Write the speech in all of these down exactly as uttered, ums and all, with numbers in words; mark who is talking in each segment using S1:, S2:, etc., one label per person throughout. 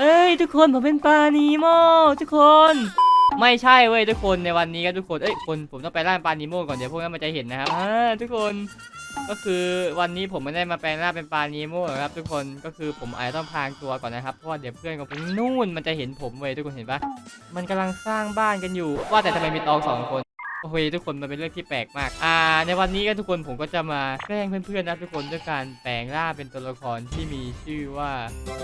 S1: เฮ้ยทุกคนผมเป็นปลานีโม่ทุกคนไม่ใช่เว้ยทุกคนในวันนี้ครับทุกคนเอ้ยคนผมต้องไปล่าปลานีโม่ก่อนเดี๋ยวพวกนั้นมันจะเห็นนะครับอ่าทุกคนก็คือวันนี้ผมไม่ได้มาแปลงร่างเป็นปลานีโม่ครับทุกคนก็คือผมอาจจะต้องพรางตัวก่อนนะครับเพราะว่าเดี๋ยวเพื่อนของผมนู่นมันจะเห็นผมเว้ยทุกคนเห็นปะมันกำลังสร้างบ้านกันอยู่ว่าแต่ทำไมมีตองสองคนโอ้โหทุกคนมันเป็นเรื่องที่แปลกมากอ่าในวันนี้ก็ทุกคนผมก็จะมาแกล้งเพื่อนๆนะทุกคนด้วยการแปลงร่างเป็นตัวละครที่มีชื่อว่า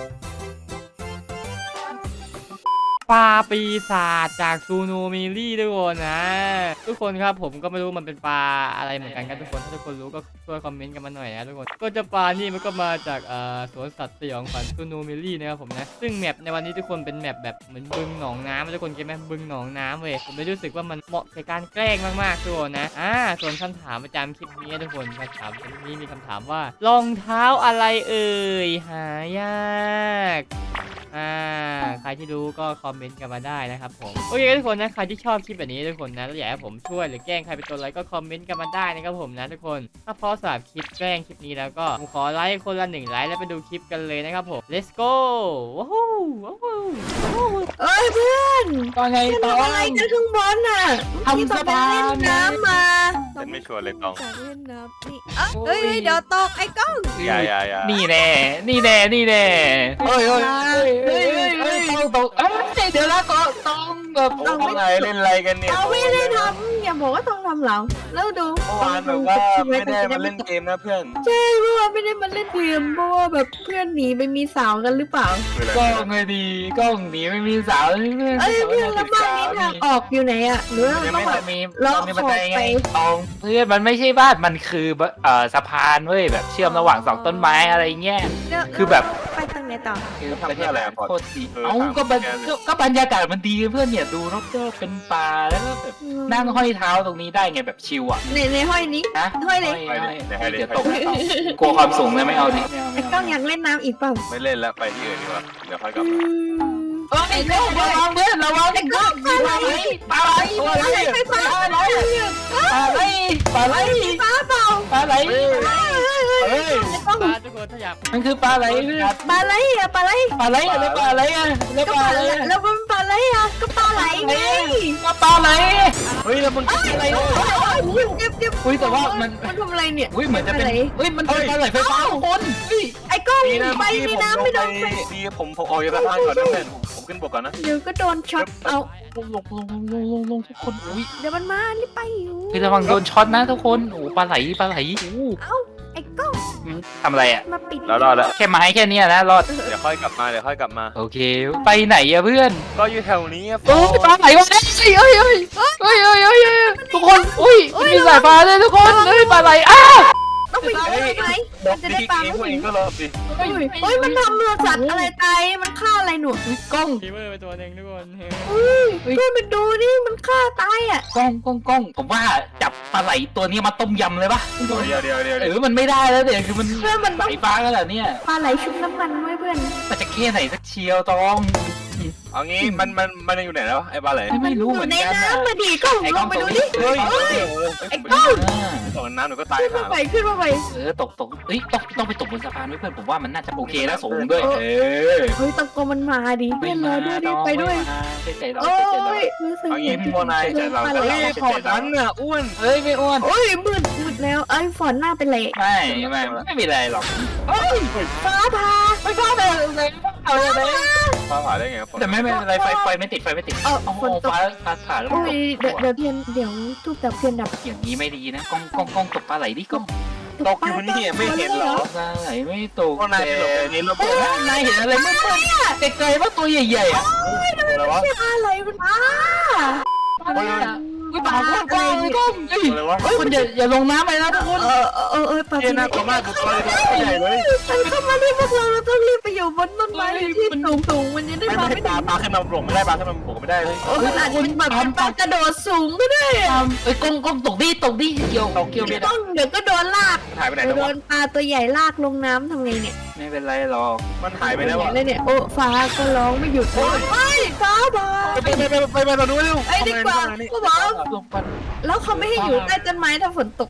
S1: ปลาปีศาจจากซูโนมิลี่ทุกคนนะทุกคนครับผมก็ไม่รู้มันเป็นปลาอะไรเหมือนกันครับทุกคนถ้าทุกคนรู้ก็ช่วยคอมเมนต์กันมาหน่อยนะทุกคนก็จะปลานี่มันก็มาจากเอ่อสวนสัตว์สยองขวัญซูโนมิลี่นะครับผมนะซึ่งแมปในวันนี้ทุกคนเป็นแมปแบบเหมือนบึงหนองน้ำทุกคนเก็ตไหมบึงหนองน้ำเว้ยผมเลยรู้สึกว่ามันเหมาะในการแกล้งมากๆทุกคนนะอ่าส่วนคำถามประจำคลิปนี้ทุกคนคำถามคลิปนี้มีคำถามว่ารองเท้าอะไรเอ่ยหายากอ่าใครที่รู้ก็คอมเมนต์กันมาได้นะครับผมโอเคทุกคนนะใครที่ชอบคลิปแบบนี้ทุกคนนะแล้วอยากให้ผมช่วยหรือแกล้งใครเป็นตัวอะไรก็คอมเมนต์กันมาได้นะครับผมนะทุกคนถ้าพอสำหรับคลิปแกล้งคลิปนี้แล้วก็ผมขอไลค์คนละหนึ่งไลค์แล้วไปดูคลิปกันเลยนะครับผม let's go ว้าวว้าว
S2: เอ้ยเพื่อน
S3: ว่าไง
S2: เพื่อน
S3: ตอ
S2: ทำอะไร
S3: ง
S2: กันข้างบนน่ะ
S3: ทำสะพาน
S2: เล่นน้ำมา
S4: ฉันไม่ชวนเลยตอง
S2: จากเล่นน้ำนี่เอ้ยเฮ้ยเฮ้ยเดี๋ยวตกไอ้กล้อง
S4: อย่าอย่าอย่า
S3: นี่แน่นี่แน่นี่แน่เฮ้ยเฮ้ยเฮ้ยเฮ้ยเฮ้ยต้องตกเอ้ยเดี๋ยวแล้วก็ต้องแบบ
S4: โอ้อะไรเล่นอะไรกันเนี่ย
S2: เราไม่ได้ทำอย่าบอกว่าต้องทำหลังแล้วดู
S4: เมื่อวานแบบว่าไม่ได้มาเล่นเกมนะเพื่อน
S2: ใช่เมื่อวานไม่ได้มาเล่นเกมเพราะว่าแบบเพื่อนหนีไปมีสาวกันหรือเปล่า
S4: คืออะไร
S3: กล้องไงดีกล้องหนีไม่มีสาวเพื่อน
S2: เอ้ยเพื่อนแล้วบ้านนี้ทางออกอยู่ไหนอะหรือว่าเราต้องแบบ
S3: มี
S2: เรา
S3: มีบันได
S2: ขอ
S3: ไง
S2: ไป
S3: ตองเพื่อนมันไม่ใช่บ้านมันคือเอ่อสะพานเว้ยแบบเชื่อมระหว่างสองต้นไม้อะไรเงี้ย
S2: เดี๋ยว
S3: คือแบบ
S2: ไปทางไหนต่อ
S3: คือประเทศอะไรโคตรดีเอ้าก็บรรก็ก็บรรยากาศมันดีเพื่อนเนี่ยดูรอบๆเป็นป่าแล้วก็แบบนั่งห้อยเท้าตรงนี้ได้ไงแบบชิลอ่ะ
S2: ในในห้อยนี้
S3: นะ
S2: ห้อยเลย
S3: เดี๋ยวตกกลัวความสูงเลยไม่เอาดิ
S2: ไอ้กล้องอยากเล่นน้ำอีกเปล่า
S4: ไม่เล่นแล้วไปที่อื่นดีกว่าเดี๋ยวค่อยกลับ
S2: อื
S4: มาม
S3: เอ้ยระวังเพื่อนระวัง
S2: ไอ้กล้องปลาไหล
S3: ปลาไหล
S2: ปลาไหลไฟฟ้าปลาไหล
S3: ปลาไหลปลาไหล
S2: ไฟฟ้าเปล่า
S3: ปลาไหล
S2: เฮ้ยไอ้กล้อง
S1: ปลาทุกคนถ้าอยาก
S3: มันคือปลาไหลเพื่อน
S2: ปลาไหลอะปลาไหล
S3: ปลาไหลอะไรปลาไหลอ่ะแล้ว
S2: ก็
S3: ป
S2: ป
S3: ลา
S2: ลา
S3: ไหล
S2: แล้วมันปลาไหลอะก็ปลาไหลไง
S3: ก็ปลาไหล
S4: เฮ้ยแล้วมึงกินอะไร
S2: เก็บเก็บ
S3: อุ้ยแต่ว่ามัน
S2: มันทำอะไรเนี่ย
S3: อุ้ยเหมือนจะเป็นอุ้ยมันเป็นปลาไหลไฟฟ้าทุกคนอุ้ย
S2: ไอ้กล้อง
S4: ดีนะ
S2: ไป
S4: เมื่อกี้
S2: ใน
S4: ผม
S2: น้ำ
S4: ล
S2: ไม่
S4: ง
S2: โด
S4: ไป
S2: นไฟ
S4: ดีผมผมออกจากสะพานก่อนนะเพื่อนผมผมขึ้นบกก่อนนะ
S2: เดี๋ยวก็โดนช็อตเอา
S3: ลงลงลงลงลงลงทุกคนอุ้ย
S2: เดี๋ยวมันมารีบไปอยู่
S3: คือระวังโดนช็อตนะทุกคนโอ้ปลาไหลปลาไหลโอ้
S2: เอ้าไอ้กล้อง
S3: ทำอะไรอ่ะ
S2: มาปิด
S4: แล้วรอดแล้ว
S3: แค่ไม้แค่เนี้ยนะรอด
S4: เดี๋ยวค่อยกลับมาเดี๋ยวค่อยกลับมา
S3: โอเค ไปไหนอะเพื่อน
S4: ก็อยู่แถวนี้อะ
S3: โอ้ยปลาไหลวะเอ้ยเอ้ยเอ้ยเอ้ยเอ้ยเอ้ยเอ้ยเอ้ยทุกคนอุ้ยมีสายฟ้าเลยทุกคนเอ้ยปลาไหลอ้า
S2: ต้องไปอยู่ไหน
S4: บ
S2: มั
S4: อน ก
S2: จะ
S4: ดี
S2: ได้ปลา
S4: เอง
S2: ไม่
S4: พวกเอ
S2: ถึ
S4: ง
S2: ง
S4: ก็รอสิ
S2: เฮ้ยเฮ้ยมันทำเรือสัตว์อะไรตายมันฆ่าอะไรหนู
S3: กล้อง
S1: ฟีเวอร์ไปตัวหนึ่งทุกคน
S2: เฮ้ยเพื่อนไปดูนี่มันฆ่าตายอ่ะ
S3: กล้องกล้องกล้องผมว่าจับปลาไหลตัวนี้มาต้มยำเลยปะ
S4: เดี๋ยวเดี๋ยวเดี๋ยว
S3: เออมันไม่ได้แล้วเดี๋ยวคือมัน
S2: เพื่อนมันต้อง
S3: สายฟ้าแล้วเหรอเนี่ย
S2: ปลาไหลชุบน้ำมันไว้เพื่อน
S3: มันจะแค่ไหนสักเชียวตอง
S4: เอางี้มันมันมันอยู่ไหนแล้วไอ้ปลาไหล
S3: ไม่รู้
S2: อ
S3: เหมื
S2: ยู่
S3: อน
S2: ใน
S3: กันนะ
S2: น้ำมาดิกล้อง
S3: ไอ้
S2: ล
S3: กล้อง
S2: งไป
S3: ต
S2: ดู
S3: ก
S2: ดิ
S4: เฮ้ย
S2: เฮ้ย
S4: ไอ้
S2: กล้อง
S4: ตกน้ำหนูก็ตาย
S2: ขึ้น
S4: หา
S2: มาไปขึ้นมาไป
S3: เออตกตกเอ้ยต้องต้องไปตกบนสะพานด้วยเพื่อนผมว่ามันน่าจะโอเคแล้วสูงด้วยเออ
S2: เฮ้ยตะโกนมันมาดิเพื่อนรอด้วยดิไปด้วย
S3: ไปใจเรา
S2: โอ้
S3: ไปใจเรา
S2: ยรู้สึก
S4: เอางี้พี่โมนาย
S2: เจอปลาไหล
S4: เฮ้ยขอทันน่ะอ้วน
S3: เฮ้ยไม่อ้วน
S2: โอ้ยมืดมืดแล้วไอ้ฝนหน้าเป็นไร
S3: ไม่ไม่ไม่มีอะไรหรอก
S2: ฟ้าผ่า
S3: ไม่ชอบเลยเลยเอาเลย
S4: ฟ้าผ่าได้ไง
S3: แต่ไม่เป็นไรไฟไฟไม่ติดไฟไม่ติด
S2: เออ
S3: โอ้โห
S2: ฝนตก
S3: ฟ้าฟ้าผ่าแล้ว
S2: โอ้ยเดี๋ยวเดี๋ยวเทียนเดี๋ยวทุบดับเทียนดับ
S3: อย่างนี้ไม่ดีนะกล้องกล้องกล้องตกปลาไหลดิกล้อง
S4: ตกอยู่นี่ไม่เห็นหรอ
S3: ปลาไหลไม่ตก
S4: พวกนายไปหลบในนี้แล้ว
S3: เฮ้ยนายเห็นอะไรไม่เพื่อนไกลๆว่าตัวใหญ่ๆอ่ะ
S4: อะไรวะ
S2: ปลาไหลมันอ้า
S3: อะไรอ่ะไม่ปลากล้องกล้องกล้องเฮ้ย
S4: อะไรวะ
S3: คุณอย่าอย่าลงน้ำไปนะทุกคน
S2: เออเออเออปลา
S4: เจ๊น่ากลัวมากตัวใหญ่เลย
S2: มันเข้ามาที่พวกเราเราต้องรีบไปอยู่บนต้นไม้ที่สูงสูงมันจะได้
S4: ไม่
S2: มา
S4: ไม่
S2: ไม่
S4: ป
S2: ถึ
S4: ลาง ปลาขึ้นมาบกไม่ได้ปลาขึ้นมาบกไม่ได้เลย
S2: โอ้ขนาดมันแบบเป็นปลากระโดดสูงก็ได้อะ
S3: เอ้ยกล้องกล้องตกดิตกดิเกี่ยวเกี่ยวเบ็ด
S2: ต้องเดี๋ยวก็โดนลาก
S4: หายไปไหน
S2: เดี๋ยว
S4: แล้ว
S2: โด
S4: วะ
S2: นปลาตัวใหญ่ลากลงน้ำทำไงเนี่ย
S3: ไม่เป็นไรหรอก
S4: มันหายไปแล้ววะ
S2: เลยเนี่ยโอ้ฟ้าก็ร้องไม่หยุดเลยเฮ้ยฟ้าผ่า
S4: ไปไปไปไปไปเราดูเร็ว
S2: ไอ้ดีกว่าก็บอก
S3: ลงปัน
S2: แล้วเขาไม่ให้อยู่ใต้ต้นไม้ถ้าฝนตก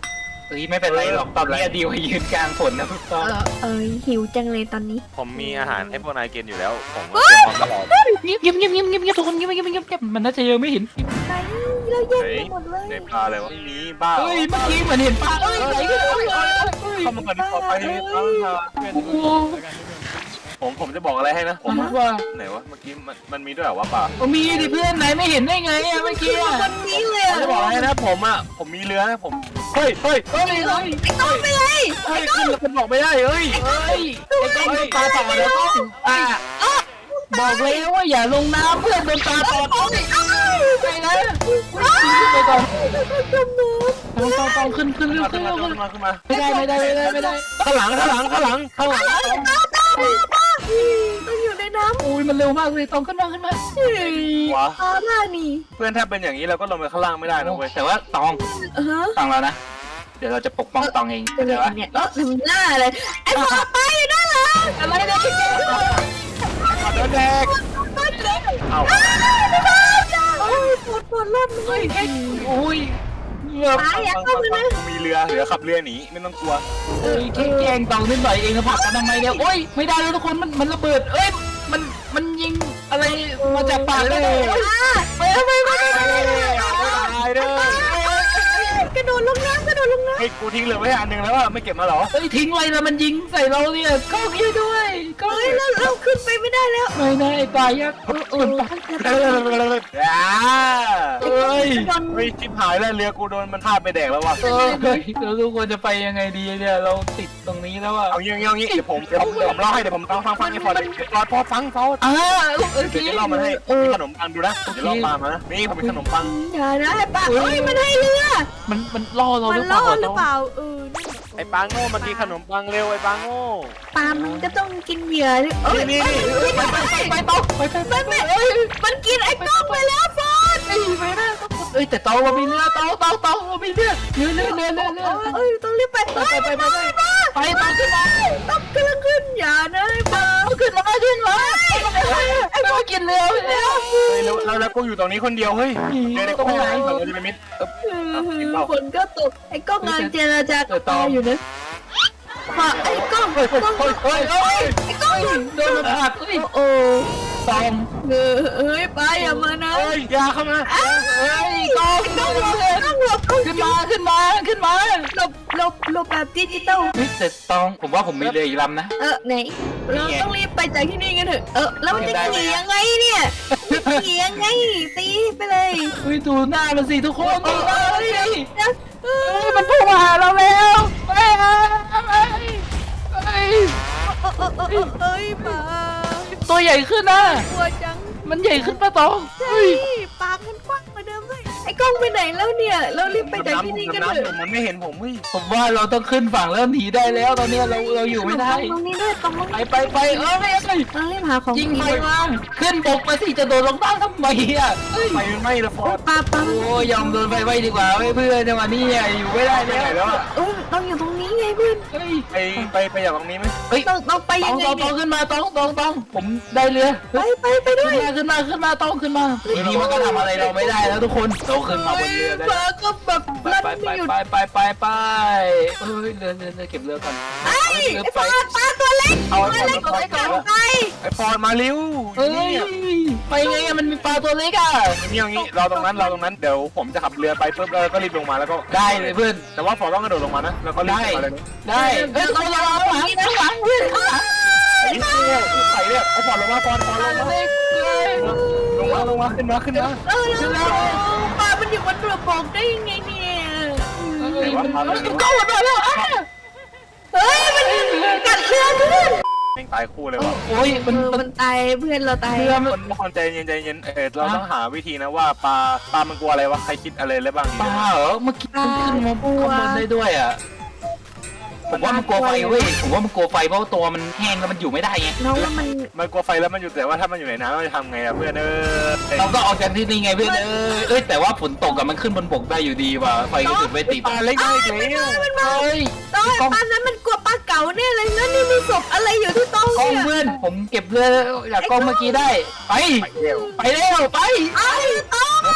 S3: เฮ้ยไม่เป็นไรหรอกตอนนี้ดีกว่ายืนกลางฝนนะพี่ต้อ
S2: เออเอยหิวจังเลยตอนนี้
S4: ผมมีอาหารให้พวกนายกินอยู่แล้วผมเตรียมพร้อมตลอด
S3: เงียบเงียบเงียบเงียบเงียบเงียบทุกคนเงียบเงียบเงียบเงียบมันน่าจะยังไม่เห็น
S2: ไหนเราแย่งไปหมดเลย
S4: ในปลาอะไรวะไม่มีบ้า
S3: เฮ้ยเมื่อกี้เหมือนเห็นปลาเอ้ยไหนกันเอ้ย
S4: เข้ามาก่อนขอไปเข้ามาผมผมจะบอกอะไรให้นะผม
S3: ว่า
S4: ไหนวะเมื่อกี้มันมันมีด้วยเหรอวะปลา
S3: มีดิเพื่อนไหนไม่เห็นได้ไงอะเมื่อกี้อะ
S2: วันนี้เลย
S4: ผมจะบอกอะไรนะผมอ่ะผมมีเรือนะผมเฮ้ยเฮ้ย
S3: เฮ้ยเฮ้ย
S2: ไอ้ก้องไปเลย
S4: เฮ้ยขึ้นแล้วมันบอกไม่ได้เฮ้ย
S3: เฮ้ยไอ้ก้องโดนปลาต่อแล้วก้องอ่ะบอกแล้วว่าอย่าลงน้ำเพื่อนโดนปลาต่อต้องไปนะไปก่อน
S2: จมน้
S3: ต้องต้องต้องขึ้นขึ้นเร็วขึ้
S4: ขึ้
S3: น
S4: น
S3: เร็
S4: มาว ขึ้
S3: ขึ้
S4: น
S3: น
S4: มาขึ้นมา
S3: ไม่ได้ไม่ได้ไม่ได้ไม่ได้
S4: ข้างหลังข้างหลังข้างหลังข้างหลัง
S2: ำตามตามป้าต้องอยู่ในน้ำ
S3: อุ้ยมันเร็วมากเลยต้องขึ้นมาขึ้นมา
S2: เฮ้ยปลาหน้านี่
S4: เพื่อนถ้าเป็นอย่างนี้เราก็ลงไปข้างล่างไม่ได้นะเว้ย
S3: แต่ว่าตอง
S2: เออ
S3: ตองแล้วนะเดี๋ยวเราจะปกป้องตองเอง
S2: เป็น
S3: เดี๋ยว
S2: ไร
S3: ว่า
S2: เนี่ยเออทำหน้าเลยไอ้ปลาไปนั่นเหรออะไรเนี่ย
S4: ขอโดนแดก
S2: ปลาเก่ง
S4: เอ้า
S2: โอ้ยปวดปวดรอบเลย
S3: อุ้ย
S2: ปลาอยากเข้าเลยนะ
S4: มีเรือเรือขับเรือหนีไม่ต้องกลัว
S3: เอ้ยแค่แกล้งตองนิดหน่อยเองนะผักกันทำไมเนี่ยโอ้ยไม่ได้แล้วทุกคนมันมันระเบิดเอ้ยมันมันยิงอะไรมาจากปากเลยไปไปไปไปไป
S4: ตายเด้อก
S2: ระโดดลงน้ำกระโดดลงน้ำ
S4: ไอ้กูทิ้งเรือไว้อันหนึ่งแล้วอะไม่เก็บมาหรอ
S3: เอ้ยทิ้งไว้แล้วมันยิงใส่เราเนี่ยก็คิดด้วยก็
S2: เฮ้ยเราเราขึ้นไปไม่ได้แล้ว
S3: ไม่ได้ไอ้ปลายักษ์เออเออปลา
S4: อ่า
S3: เอ้ย
S4: ไม่ชิบหายแล้วเรือกูโดนมันทาบไปแดกแล้วว่ะ
S3: เออเฮ้ยเราทุกคนจะไปยังไงดีเนี่ยเราติดตรงนี้แล้วอะ
S4: เอางี้เอางี้เดี๋ยวผมเดี๋ยวผมเดี๋ยวผมเล่าให้เดี๋ยวผมฟังฟังฟังให้พอเดี๋ยวพอพอฟังเขา
S3: อ่าเออ
S4: เดี๋ยวจะเล่ามันให้มีขนมปังดูนะเดี๋ยวเล่าปลามานะนี่ผมมีขนมปัง
S2: อย่านะไอ้ปลาเฮ้ยมันให้เรือ
S3: มันมันล่อเรา
S2: มั
S3: ห
S2: น
S3: รือเป
S2: ล่
S3: ล่า
S2: อหรือเปล่าเออ
S4: ไอ้ปลาโง่มากินขนมปังเร็วไอ้ปลาโง่
S2: ปลามันก็ต้องกินเหยื่อดิเอ้ย
S4: นี่นี่นี่
S2: ไปไปไป
S3: ไปต่อไปไปไป
S2: มันไม่เอ้ยมันกินไอ้กล้องไปแล้วฟอน
S3: ไปไปนะเอ้ยแต่เตาเรามีเรือเตาเตาเตาเรามีเรือเรือเรือเรือเรือเรือ
S2: เอ้ยต้องรีบไป
S3: ไปไปไปไปไปเตาขึ้นมา
S2: ต้องกำลังขึ้นอย่านะไอ้ปลา
S3: ขึ้นมาขึ้นมาไอ้พวกกินเรือไปแล้ว
S4: เฮ้ยแล้วแล้วแล้วกูอยู่ตรงนี้คนเดียวเฮ้ยเดี๋ยวเดี๋ยวกูหายเดี๋ยวจะไปมิด
S2: ฝนก็ตกไอ้กล้องงานเจรจากับปลาอยู่นะพอไอ้กล้องกล้อง
S3: เฮ้ยเฮ้ยเฮ้ย
S2: ไอ้กล้อง
S3: โดนมันหักเฮ้ย
S2: โอ้
S3: ตอง
S2: เออเฮ้ยปลาอย่ามานะ
S4: เฮ้ยยาเข้ามา
S3: เฮ้ยตอง
S2: กล้องหลบกล้องหลบกล้อง
S3: ขึ้นมาขึ้นมาขึ้นมา
S2: หลบหลบหลบแบบดิจิตอล
S3: เฮ้ยแต่ตองผมว่าผมมีเรืออีกลำนะ
S2: เออไหนเราต้องรีบไปจากที่นี่กันเถอะเออแล้วมันจะขี่ยังไงเนี่ยขี่ยังไงตีไปเลย
S3: เฮ้ยดูหน้ามันสิทุกคนดูหน้ามันสิ
S2: เอ
S3: เฮ้
S2: อย
S3: มันพุ่งมาหาเราแล้วเฮ้ยเฮ้ยเฮ้ย
S2: เอ้ยปลา
S3: ตัวใหญ่ขึ้นนะ
S2: กลัวจัง
S3: มันใหญ่ขึ้นปะตอง
S2: ใช่ปากมันกว้างกว่าเดิมเลยไอ้กล้องไปไหนแล้วเนี่ยเรารีบไปจากที่นี่กันเถอะ
S4: มันไม่เห็นผมเฮ้ย
S3: ผมว่าเราต้องขึ้นฝั่งแล้วหนีได้แล้วตอนนี้เราเราอยู่ไม่ได้
S2: ตรงนี้ด้วยตรงนี้
S3: ไปไปไปเอ้ยไม่ไม่
S2: เรารีบหาของ
S3: ยิง
S2: กิน
S3: ไปมาขึ้นบกมาสิจะโดนลงใต้ทำไมอ่ะเฮ้ย
S4: ไฟมันไหม้ละฟอส
S2: ปลาปลา
S3: โอ้ยยอมโดนไฟไหม้ดีกว่าเว้ยเพื่อนจังหวะนี้อ่ะอยู่ไม่ได้
S4: ไป
S3: แล้ว
S4: ไหนแล้วอ่ะ
S2: เออต้องอยู่ตรงนี้ไงเพื่อน
S3: เฮ้ย
S4: ไปไปไปอย่างตรงนี้ไหม
S3: เฮ้ย
S2: ต้องต้องไป
S3: ต
S2: ยั
S3: อง
S2: งไง
S3: ตองต
S2: เนี่
S3: อง
S2: ย
S3: ขึ้นมาตองตองตองผมได้เรือ
S2: ไปไปไปด้วย
S3: ขึ้นมาขึ้นมาขึ้นมาต้องขึ้นมาทีนี้มันก็ทำอะไรเราไม่ได้แล้วทุกคนเราขึ้นมาบนเรือได้
S2: ปลาก็แบบ
S3: ไป
S2: ลั่น
S3: ไป
S2: ไม่หยุด
S3: ไปไปไปไปเอ้ยเรือเรือเรือเก็บเรือก่อน
S2: ไอ้
S3: เรือ
S2: ไอ้
S3: ไป
S2: ปลาปลาตัวเล็ก
S4: เอา
S2: ตัว
S4: ไอ้
S2: เล็ก
S4: ฟ
S2: ตัว
S4: อ
S2: เล็
S4: ส
S2: กกันไป
S4: ไอ้ฟอสมาเร็ว
S3: เฮ้ย
S4: นี่
S3: ไปไงอะมันมีปลาตัวเล็กอ่ะ
S4: นี่อย่างนี้เราตรงนั้นเราตรงนั้นเดี๋ยวผมจะขับเรือไปปุ๊บแล้วก็รีบลงมาแล้วก็
S3: ได้เลยเพื่อน
S4: แต่ว่าฟอสต้องกระโดดลงมานะแล้วก็รีบมาเลย
S3: ได้เฮ้ยต้องระวังหลังนะหลังเพื่อนข้างหลัง
S4: ไอ้เนี่ยใส่เนี่ยไอ้ฟอสลงมาฟอสฟอสลงมา
S3: เล็กเลย
S4: ลงมาลงมาขึ้นมาขึ้นมา
S2: เออแล้วปลามันอยู่บนเรือบอกได้ยังไงเนี่ย
S3: เฮ้ยมันก็หมดแล้วอ่ะ
S2: เฮ้ยมันกัดเรือเพื่อน
S4: แม่งตายคู่เลยว่ะ
S3: โอ้ย
S2: เอ
S3: มัน
S2: อ
S3: มัน
S2: มันตายเพื่อนเราตาย
S3: เรือมัน
S4: คนคนใจเย็นใจเย็นเออเราต้องหาวิธีนะว่าปลาปลามันกลัวอะไรวะใครคิดอะไรแล้วบ้างดี
S3: ปลาเหรอเมื่อกี้มันขึ้นมาข้างบนได้ด้วยอ่ะผมว่ามันกลัวไฟเว้ยผมว่ามันกลัวไฟเพราะตัวมันแห้งแล้วมันอยู่ไม่ได้ไง
S2: น้องว่ามัน
S4: มันกลัวไฟแล้วมันอยู่แต่ว่าถ้ามันอยู่ในน้ำเราจะทำไงอะเพื่อนเออ
S3: เราก็ออกจากที่นี่ไงเพื่อนเอ้ยเอ้ยแต่ว่าฝนตกกับมันขึ้นบนบกได้อยู่ดีว่ะไฟก็จุดไม่ติด
S4: ปลาเล็กได้อีกแล้ว
S2: มันมา
S3: เฮ้ย
S2: ต้องไอ้ปลานั้นมันกลัวปลาเก๋าเนี่ยเลยแล้วนี่มีศพอะไรอยู่ที่โต๊ะ
S3: กล้อง
S2: เนี่ย
S3: เพื่อนผมเก็บเรือจากกล้องเมื่อกี้ได้ไป
S4: ไปเร็ว
S3: ไปเร็วไป
S2: ไอ้ต้อง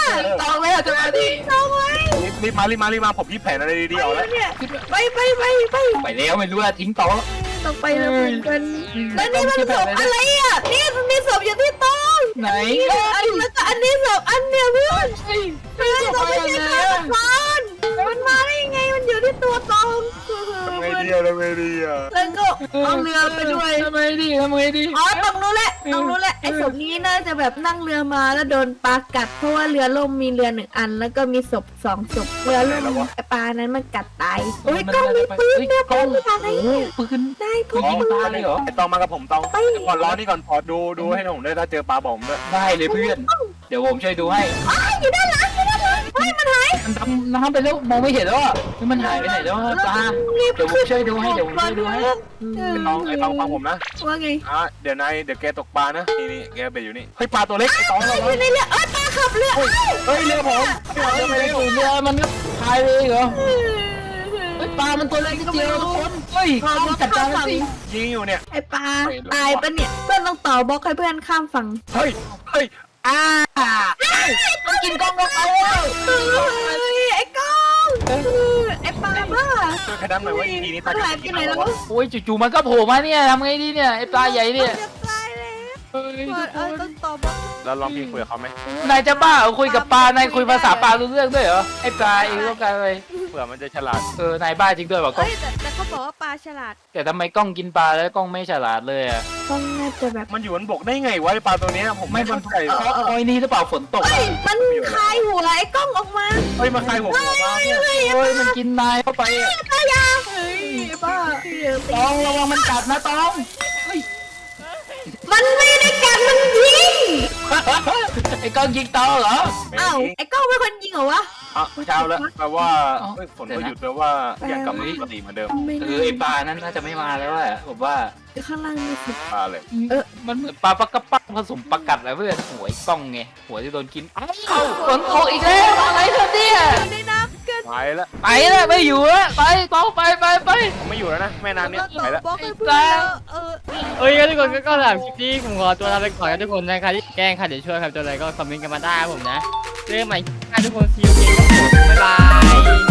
S3: ตองเลยจะมาดิ
S2: เอาไว้
S4: รีบรีบมารีบมารีบมาผมคิดแผนอะไรดีๆเอาแล้ว
S2: เนี่ยไปไปไปไป
S3: ไปแล้วไม่รู้ว่าทิ้งตอง
S2: ต้องไปแล้วเหมือนกันแล้วนี่มันศพอะไรอ่ะนี่มันมีศพอยู่ที่โต๊ะ
S3: ไหน
S2: อันแล้วก็อันนี้ศพอันเนี้ยเพื่อน
S3: เฮ้ย
S2: เพื่อนเราไม่ใช่ฆาตกรมันมาได้ยังไงมันอยู่ที่ตัวตอง
S4: ทำไงดีอะทำไงดีอะ
S2: แล้วก็เอาเรือไปด้วย
S3: ทำไมดิทำไมดิ
S2: อ๋อต้องรู้แหละต้องรู้แหละไอ้ศพนี้น่าจะแบบนั่งเรือมาแล้วโดนปลากัดเพราะว่าเรือล่มมีเรือหนึ่งอัน แล้วก็มีศพสองศพเรือล่มไอ้ปลานั้นมันกัดตายโอ้ยกล้องมีปืนเนี่ยปืนอะไรเนี่ย
S3: ปืน
S2: ได้พก
S3: ยิง
S2: ปื
S3: ตาน เลยเหรอ
S4: ไอตองมากับผมตองก่อนร้อนนี่ก่อนพอดูดูให้ผมด้วยถ้าเจอปลาบอกผมด้วย
S3: ได้เลยเพื่อน เดี๋ยวผมช่วยดูให้
S2: อ้าวอยู่ด้านหลังอยู่ด้านหลังเฮ้ยมันหาย
S3: มันดำน้ำไปแล้วมองไม่เห็นแล้วอ่ะมันหายไปไหนแล้วปลาเดี๋ยวผมช่วยดูให้เดี๋ยวผมช่วยดูให้
S4: ไอตองไอตองฟังผมนะ
S2: ว่าไง
S4: อ่ะเดี๋ยวนายเดี๋ยวแกตกปลานะนี่นี่แกไปอยู่นี่เฮ้ยปลาตัวเล็กไอตอง
S2: อ
S4: เรา
S2: ยู่ในเรือเอ้ยปลาขับเรือ
S4: เฮ้ยเรือผมเรือไปเร็ว
S3: เรือมันก็พายเลยเหรอเฮ้ยปลามันตัวเล็กนิดเดียวทุกคนเฮ้ยต้องจัดการมันสิ
S4: ยิงอยู่เนี่ย
S2: ไอ้ปลาตายปะเนี่ยเพื่อนต้องต่อบล็อกให้เพื่อนข้ามฝั่ง
S4: เฮ้ยเฮ้ย
S3: อ่ามันกินกล้องลงไปแล้ว
S2: เฮ้ยไอ้ก้องไอ้ปลาบ้า
S4: ช่วยใครดันหน่อยว่าอีพีนี้ตา
S2: หายไปไหนแล้ววะ
S3: โอ้ยจู่ๆมันก็โผล่มาเนี่ยทำไงดีเนี่ยไอ้ปลาใหญ่เนี่ย
S2: จะตายแล้ว
S3: เฮ้ย
S2: เออต้องต่อบล็อก
S4: เราลองพี่คุยกับเขาไหม
S3: นายจะบ้าเหรอคุยกับปลานายคุยภาษาปลารู้เรื่องด้วยเหรอไอ้ปลาเองต้องการอะไร
S4: เผื่อมันจะฉลาด
S3: เออนายบ้าจริงด้วยว่ะกล้อง
S2: เฮ้ยแต่แต่เขาบอกว่าปลาฉลาด
S3: แต่ทำไมกล้องกินปลาแล้วกล้องไม่ฉลาดเลยอ่ะ
S2: ก้องน่าจะแบบ
S4: มันอยู่บนบกได้ไงวะไอปลาตัวเนี้ยผมไม่เข้าใจ
S3: เพราะโอ้ยนี่หรือเปล่าฝนตก
S2: เฮ้
S3: อะ
S2: ยมันคลายหัวไอ้ก้องออกมา
S4: เฮ้ยมาใครผมออกมาเนี่ย
S3: โอ้ยมันกินนายเข้าไปอะ
S2: ปลายาเฮ้ยบ้า
S3: ตองระวังมันกัดนะตองเฮ้ย
S2: มันไม่ได้กัดมันยิง
S3: ไอ้กล้องยิงตองเหรอ
S2: อ้าวไอ้ก้องเป็นคนยิงเหรอวะ
S4: อ่ะเช้าแล้วแปลว่า
S3: อ๋อ
S4: เฮ้ยฝนก็หยุดแปลว่าอยากกลับมาปกติเหมือนเดิม
S2: ไม่
S3: เออไอ้ปลานั้นน่าจะไม่มาแล้วอะผมว่า
S2: ข้างล่างมีสิ
S4: ปลาเลย
S2: เออ
S3: มันเหมือนปลาปักกระปักผสมปลากัดแล้วเพื่อนหัวไอ้กล้องไงหัวที่โดนกินเอ้าฝนตกอีกแล้วอะไรเธอเนี่ย
S2: อยู่ในน้ำเกิน
S4: ไปแล้ว
S3: ไปแล้วไม่อยู่แล้วไปตองไปไปไป
S4: ผมไม่อยู่แล้วนะแม่น้ำเนี้ย
S2: ต่
S4: ไป
S2: อ
S4: แล้ว
S2: บล็อกให้เพื่อนแล้วเออ
S1: เอ้ยงั้นทุกคนก็ก็สำหรับคลิปนี้ผมขอตัวลาไปก่อนนะทุกคนนะใครที่แกล้งใครเดี๋ยวช่วยครับตัวอะไรก็คอมเมนต์กันมาได้ครับผมนะเจอกันใหม่คลิปหน้าทุกคนซีอูเกมครับผมบ๊ายบาย